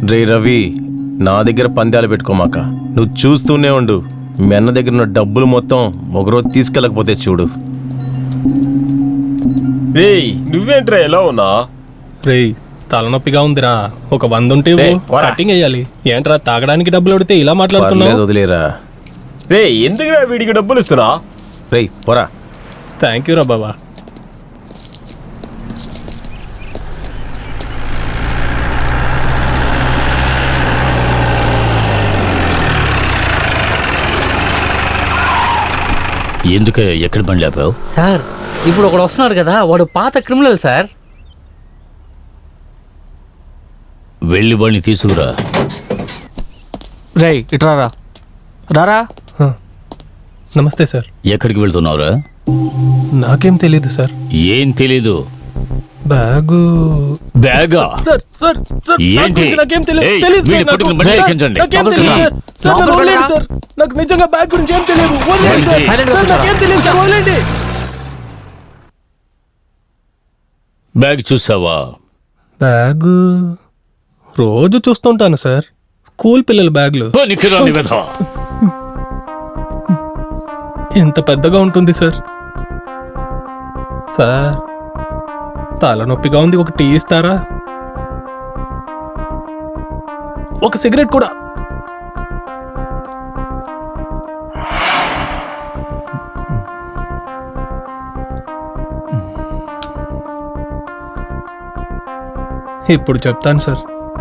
రే రవి, నా దగ్గర పందాలు పెట్టుకోమాక. నువ్వు చూస్తూనే ఉండు. మీ అన్న దగ్గర ఉన్న డబ్బులు మొత్తం ఒకరోజు తీసుకెళ్ళకపోతే చూడు. రేయ్ నువ్వేంట్రా ఎలా ఉన్నా? రేయ్ తలనొప్పిగా ఉందిరా, ఒక 100 ఉంటే కటింగ్ వేయాలి. ఏంట్రా తాగడానికి డబ్బులు అడితే ఇలా మాట్లాడుతున్నావు? వదిలేరా. రే ఎందుకురా వీడికి డబ్బులు ఇస్తున్నా? రేయ్ పోరా. థ్యాంక్ యూ రా బాబా. ఎందుకు ఎక్కడ బండి ఆపావు? సార్ ఇప్పుడు ఒకడు వస్తున్నాడు కదా, వాడు పాత క్రిమినల్ సార్. వెళ్ళి వాడిని తీసుకురా. రేయ్ ఇట్రారా. రారా. నమస్తే సార్. ఎక్కడికి వెళ్తున్నావురా? నాకేం తెలీదు సార్. ఏం తెలీదు? బ్యాగు. బ్యాగా? సార్ సార్ సార్ ఏంటి? నాకేం తెలీదు. ఏయ్, తెలీదు వీడి సార్, పట్టుకుని నాకు. బండి సార్, ఎక్కించండి. నాకేం తెలీదు సార్. సార్ నన్ను వదిలేయండి సార్. నాకు నిజంగా బ్యాగ్ గురించి ఏం తెలియదు. వదిలేయండి సార్. ఏంటి? సార్, నాకేం తెలియదు సార్, వదిలేయండి. బ్యాగ్ చూసావా? బ్యాగు రోజు చూస్తుంటాను సార్. స్కూల్ పిల్లల బ్యాగులు. పనికిరాని వెధవ. ఎంత పెద్దగా ఉంటుంది సార్. సార్ తలనొప్పిగా ఉంది, ఒక టీ ఇస్తారా? ఒక సిగరెట్ కూడా. ఇప్పుడు చెప్తాను సార్.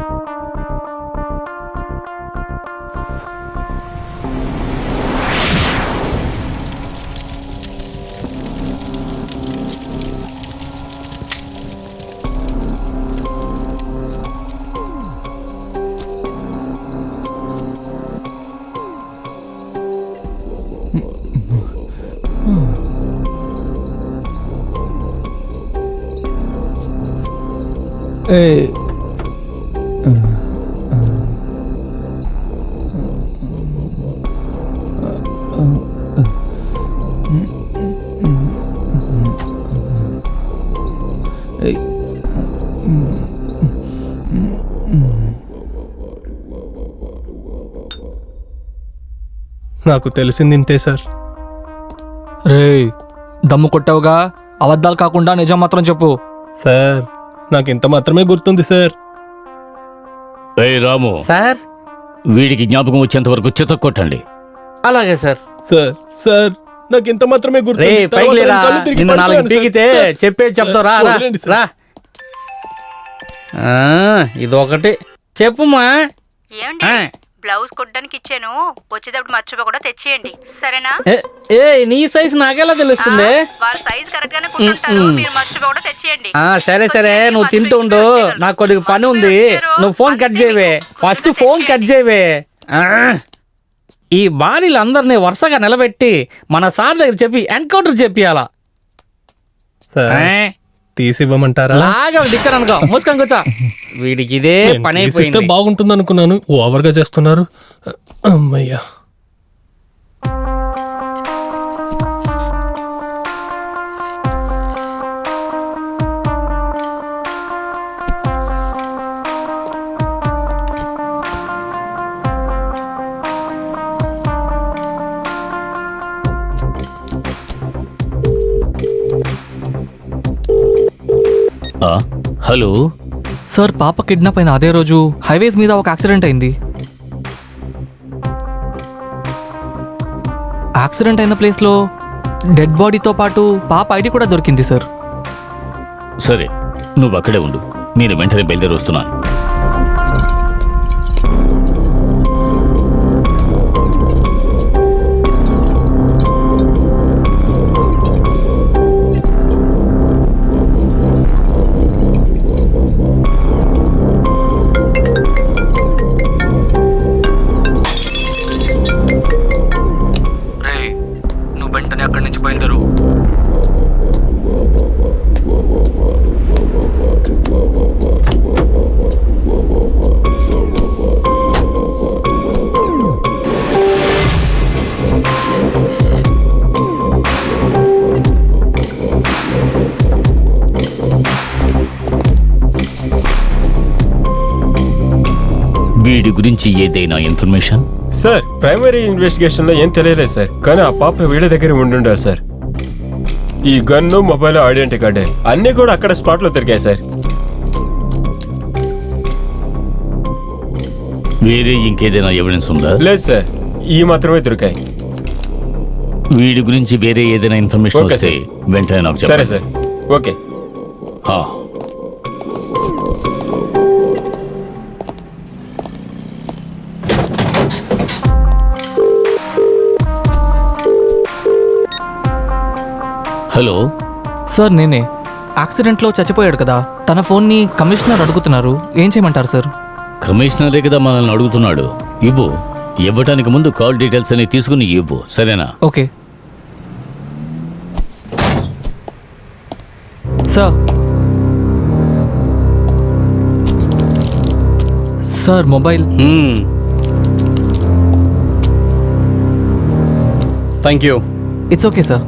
నాకు తెలిసింది ఇంతే సార్. రేయ్ దమ్ము కొట్టావుగా, అబద్ధాలు కాకుండా నిజం మాత్రం చెప్పు. సార్ నాకు ఇంత మాత్రమే గుర్తుంది సార్. ఏయ్ రాము, సార్ వీడికి జ్ఞాపకం వచ్చేంత వరకు చితక్ కొట్టండి. అలాగే సార్. సార్ సార్ నాకు ఇంత మాత్రమే రే గుర్తుంది. పైకి తర్వాత లేరా, నేను కళ్ళు తిరిగి నిన్ను 4 పడిపోయాను సార్. పీకితే సార్, చెప్పేది చెప్తావు. రా రా వదిలేండి సార్. రా. ఇదొకటి చెప్పుమా. ఏమండి, బ్లౌజ్ కుట్టడానికి ఇచ్చాను, వచ్చేటప్పుడు మర్చిపోకుండా తెచ్చేయండి, సరేనా? ఏ నీ సైజు నాకెలా తెలుస్తుంది? వాళ్ళ సైజ్ కరెక్ట్ గానే కుట్టుంటారు, మీరు మర్చిపోకుండా తెచ్చేయండి. సరే సరే, నువ్వు తింటూ ఉండు, నాకు కొద్దిగా పని ఉంది. నువ్వు ఫోన్ కట్ చేయవే, ఫస్ట్ ఫోన్ కట్ చేయవే. ఈ బాడీలు అందరినీ వరుసగా నిలబెట్టి మన సార్ దగ్గర చెప్పి ఎన్కౌంటర్ చెప్పియాలా. సార్ తీసి ఇవ్వమంటారా? లాగా దిక్కర్ అనుకో, మూసుకొని కూర్చో. వీడికి ఇదే పని అయిపోయింది. బాగుంటుంది అనుకున్నాను, ఓవర్గా చేస్తున్నారు. అమ్మయ్యా. హలో సార్, పాప కిడ్నాప్ అయిన అదే రోజు హైవేస్ మీద ఒక యాక్సిడెంట్ అయింది. యాక్సిడెంట్ అయిన ప్లేస్లో డెడ్ బాడీతో పాటు పాప ఐడి కూడా దొరికింది సార్. సరే, నువ్వు అక్కడే ఉండు, నేను వెంటనే బయలుదేరి వస్తున్నాను. వెంటనే అక్కడి నుంచి బయలుదేరు. వీడి గురించి ఏదైనా ఇన్ఫర్మేషన్? సార్ ప్రైమరీ ఇన్వెస్టిగేషన్ లో ఏం తెలియలేదు సార్, కానీ ఆ పాప వీళ్ళ దగ్గర ఉండాలి సార్. ఈ గన్ను, మొబైల్, ఐడెంటిటీ కార్డే అన్ని కూడా అక్కడ స్పాట్ లో దొరికాయి సార్. వేరే ఇంకేదైనా ఎవిడెన్స్ ఉందా? లేదు సార్, ఈ మాత్రమే దొరికాయి. వీడి గురించి వేరే ఏదైనా ఇన్ఫర్మేషన్ ఓకే వస్తే వెంటనే నాకు సరే చెప్పండి. Sir, okay. ఆ. హలో సార్ నేనే. యాక్సిడెంట్లో చచ్చిపోయాడు కదా, తన ఫోన్ని కమిషనర్ అడుగుతున్నారు, ఏం చేయమంటారు సార్? కమిషనరే కదా మనల్ని అడుగుతున్నాడు. ఇవ్వు. ఇవ్వటానికి ముందు కాల్ డీటెయిల్స్ అని తీసుకుని ఇవ్వు, సరేనా? Okay sir. Sir mobile. Thank you. It's okay sir.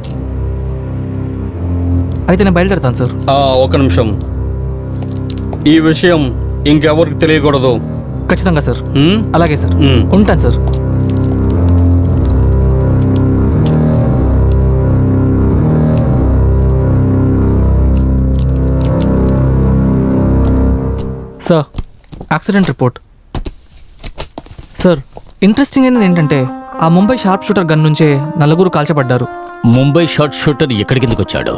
అయితే నేను బయలుదేరుతాను సార్. ఒక నిమిషం, ఈ విషయం ఇంకెవరికి తెలియకూడదు. ఖచ్చితంగా సార్. హ్మ్? అలాగే సార్. మ్మ్. ఉంటాను sir. Sir accident report. Sir interesting అయినది ఏంటంటే ఆ ముంబై షార్ప్ షూటర్ గన్ నుంచే నలుగురు కాల్చబడ్డారు. ముంబై షార్ట్ షూటర్ ఎక్కడి కిందకు వచ్చాడు?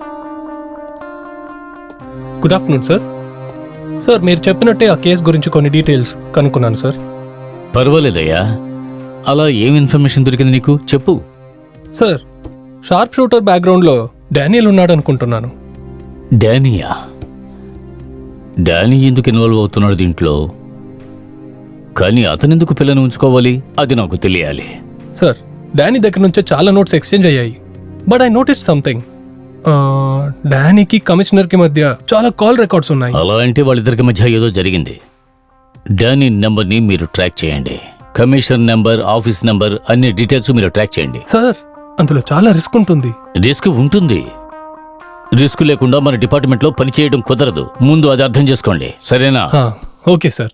Good afternoon sir. సార్ మీరు చెప్పినట్టే ఆ కేసు గురించి కొన్ని డీటెయిల్స్ కనుక్కున్నాను సార్. పర్వాలేదయ్యా. అలా ఏం ఇన్ఫర్మేషన్ దొరికింది నీకు? చెప్పు. సార్ షార్ప్ షూటర్ బ్యాక్గ్రౌండ్లో డానియల్ ఉన్నాడు అనుకుంటున్నాను. డానియా? డానీ ఎందుకు ఇన్వాల్వ్ అవుతున్నాడు దీంట్లో? కానీ అతనెందుకు పిల్లని ఉంచుకోవాలి? అది నాకు తెలియాలి. సార్ డానీ దగ్గర నుంచే చాలా నోట్స్ ఎక్స్చేంజ్ అయ్యాయి. But I notice something. డానీకి కమిషనర్కి మధ్య చాలా కాల్ రికార్డ్స్ ఉన్నాయి. అలా అంటే వాళ్ళిద్దరికి మధ్య ఏదో జరిగింది. డానీ నెంబర్ని మీరు ట్రాక్ చేయండి. కమిషనర్ నెంబర్, ఆఫీస్ నెంబర్, అన్ని డీటెయిల్స్ మీరు ట్రాక్ చేయండి. సార్ అందులో చాలా రిస్క్ ఉంటుంది. రిస్క్ ఉంటుంది. రిస్క్ లేకుండా మన డిపార్ట్మెంట్లో పనిచేయడం కుదరదు. ముందు అది అర్థం చేసుకోండి, సరేనా? Okay sir.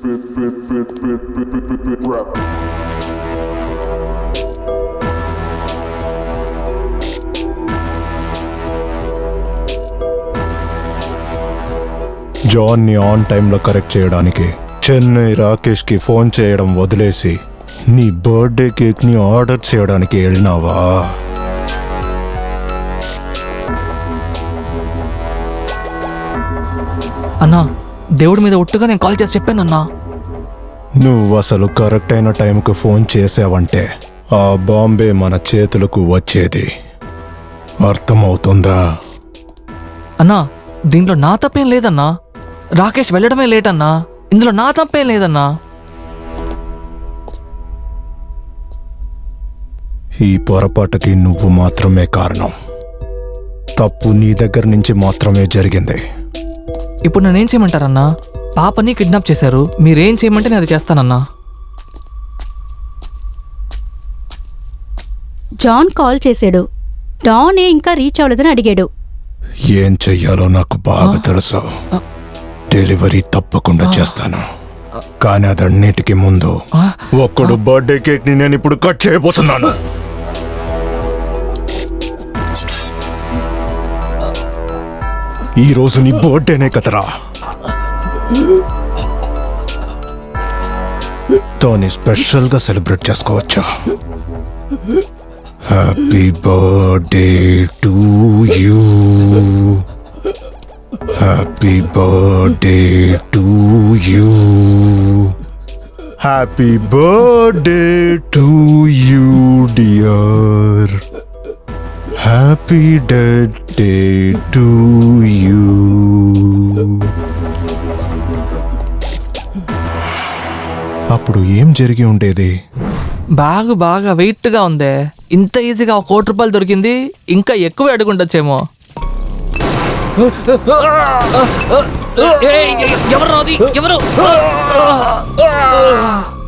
జాన్ని ఆన్ టైంలో కరెక్ట్ చేయడానికి చెన్నై రాకేష్కి ఫోన్ చేయడం వదిలేసి నీ బర్త్డే కేక్ని ఆర్డర్ చేయడానికి వెళ్ళినావా? అన్నా దేవుడి మీద ఒట్టుగా నేను కాల్ చేసి చెప్పానన్నా. నువ్వు అసలు కరెక్ట్ అయిన టైంకి ఫోన్ చేసావంటే ఆ బాంబే మన చేతులకు వచ్చేది. అర్థమవుతుందా? అన్నా దీంట్లో నా తప్పేం లేదన్నా. రాకేష్ వెళ్ళడమే లేట్ అన్నా. ఇందులో నా తప్పేం లేదన్నా. ఈ పొరపాటుకి నువ్వు మాత్రమే కారణం. తప్పు నీ దగ్గర నుంచి మాత్రమే జరిగింది. ఇప్పుడు నేనేం చేయమంటారన్నా? పాపని కిడ్నాప్ చేశారు, మీరేం చేయమంటే నేను అది చేస్తానన్నా. జాన్ కాల్ చేశాడు. డాన్ ఇంకా రీచ్ అవ్వలేదని అడిగాడు. ఏం చెయ్యాలో నాకు బాగా తెలుసు. డెలివరీ తప్పకుండా చేస్తాను, కానీ అదన్నిటికీ ముందు ఒక్కడు బర్త్డే కేక్ ని నేను ఇప్పుడు కట్ చేయబోతున్నాను. ఈ రోజు నీ బర్త్డేనే కదరా, తోని స్పెషల్ గా సెలబ్రేట్ చేసుకోవచ్చా? Happy birthday to you, happy birthday to you, happy birthday to you dear, happy death day to you. అప్పుడు ఏం జరిగి ఉండేది? బ్యాగ్ బాగా వెయిట్గా ఉందే. ఇంత ఈజీగా ₹1,00,00,000 దొరికింది, ఇంకా ఎక్కువ అడుగుండొచ్చేమో. ఎవరు?